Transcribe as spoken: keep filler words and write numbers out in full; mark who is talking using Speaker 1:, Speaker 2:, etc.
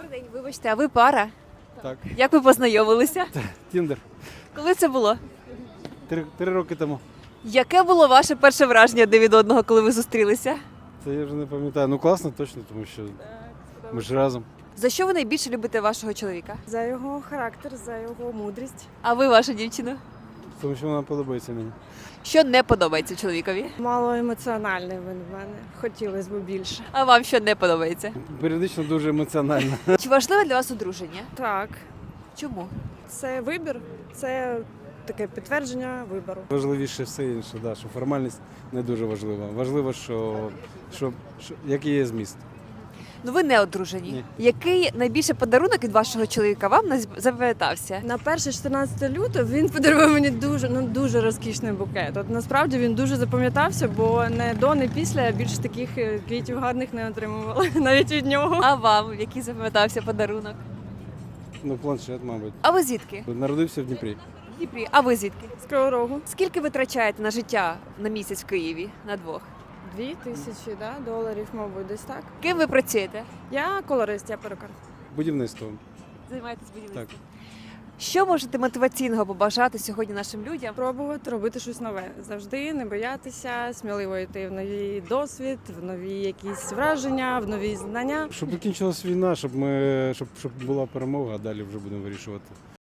Speaker 1: день, вибачте, а ви пара?
Speaker 2: Так,
Speaker 1: Як ви познайомилися?
Speaker 2: Тіндер.
Speaker 1: Коли це було?
Speaker 2: Три, три роки тому.
Speaker 1: Яке було ваше перше враження один від одного, коли ви зустрілися?
Speaker 2: Це я вже не пам'ятаю. Ну класно точно, тому що ми ж разом.
Speaker 1: За що ви найбільше любите вашого чоловіка?
Speaker 3: За його характер, за його мудрість.
Speaker 1: А ви вашу дівчину?
Speaker 2: Тому що вона подобається мені.
Speaker 1: Що не подобається чоловікові?
Speaker 3: Мало емоціональний він в мене. Хотілося б більше.
Speaker 1: А вам що не подобається?
Speaker 2: Періодично дуже емоціонально.
Speaker 1: Чи важливе для вас одруження?
Speaker 3: Так,
Speaker 1: Чому?
Speaker 3: це вибір, це таке підтвердження вибору.
Speaker 2: Важливіше все інше, да, що формальність не дуже важлива. Важливо, що, що, що який є зміст.
Speaker 1: Ну ви не одружені.
Speaker 2: Ні.
Speaker 1: Який найбільше подарунок від вашого чоловіка вам не запам'ятався?
Speaker 3: На перше чотирнадцяте лютого він подарував мені дуже, ну дуже розкішний букет. От насправді він дуже запам'ятався, бо не до, не після я більше таких е, квітів гарних не отримувала навіть від нього.
Speaker 1: А вам який запам'ятався подарунок?
Speaker 2: Ну, планшет, мабуть.
Speaker 1: А ви звідки?
Speaker 2: Народився в Дніпрі.
Speaker 1: В Дніпрі. А ви звідки?
Speaker 3: З Кривого Рогу.
Speaker 1: Скільки ви витрачаєте на життя на місяць в Києві на двох?
Speaker 3: Дві тисячі да, доларів, мабуть, десь так.
Speaker 1: Ким ви працюєте?
Speaker 3: Я колорист, я перукар.
Speaker 2: Будівництво.
Speaker 1: Займаєтесь будівництвом?
Speaker 2: Так.
Speaker 1: Що можете мотиваційного побажати сьогодні нашим людям?
Speaker 3: Пробувати робити щось нове. Завжди не боятися, сміливо йти в новий досвід, в нові якісь враження, в нові знання.
Speaker 2: Щоб закінчилась війна, щоб ми щоб, щоб була перемога, а далі вже будемо вирішувати.